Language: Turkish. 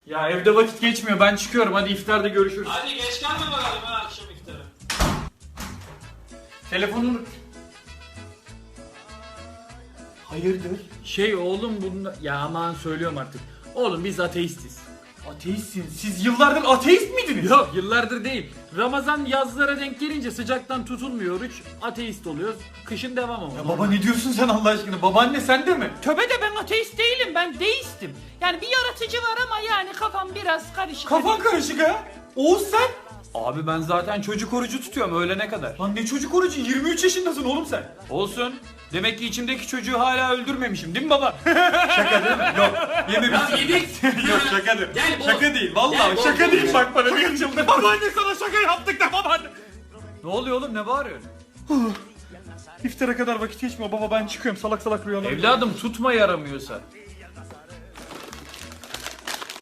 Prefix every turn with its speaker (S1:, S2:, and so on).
S1: Ya evde vakit geçmiyor, ben çıkıyorum, hadi iftarda görüşürüz.
S2: Hadi geç kalma bakalım ha akşam iftara.
S1: Telefonunu...
S3: Hayırdır?
S1: Şey oğlum bunda... Ya aman söylüyorum artık. Oğlum biz ateistiz.
S3: Ateistsin. Siz yıllardır ateist miydiniz?
S1: Yok yıllardır değil. Ramazan yazlara denk gelince sıcaktan tutulmuyor oruç. Ateist oluyoruz. Kışın devam ama.
S3: Ya baba ne diyorsun sen Allah aşkına? Babaanne sen de mi?
S4: Töbe de ben ateist değilim, ben deistim. Yani bir yaratıcı var ama yani kafam biraz karışık.
S3: Kafan karışık ha. Oğuz sen?
S1: Abi ben zaten çocuk orucu tutuyorum öğlene kadar.
S3: Lan ne çocuk orucu? 23 yaşındasın oğlum sen.
S1: Olsun. Demek ki içimdeki çocuğu hala öldürmemişim değil mi baba?
S3: Şaka değil mi? Yok. Yememişsin.
S2: Ya yedik.
S3: Yok şaka değil.
S2: Gel,
S3: Şaka değil. Vallahi
S2: Gel,
S3: şaka
S2: bol,
S3: değil.
S2: bol.
S3: Bak bana bir yıldır. Babaanne sana şaka yaptık da babaanne.
S1: Ne oluyor oğlum, ne bağırıyorsun?
S3: İftara kadar vakit geçmiyor baba, ben çıkıyorum, salak salak rüyalar.
S1: Evladım tutma yaramıyorsa.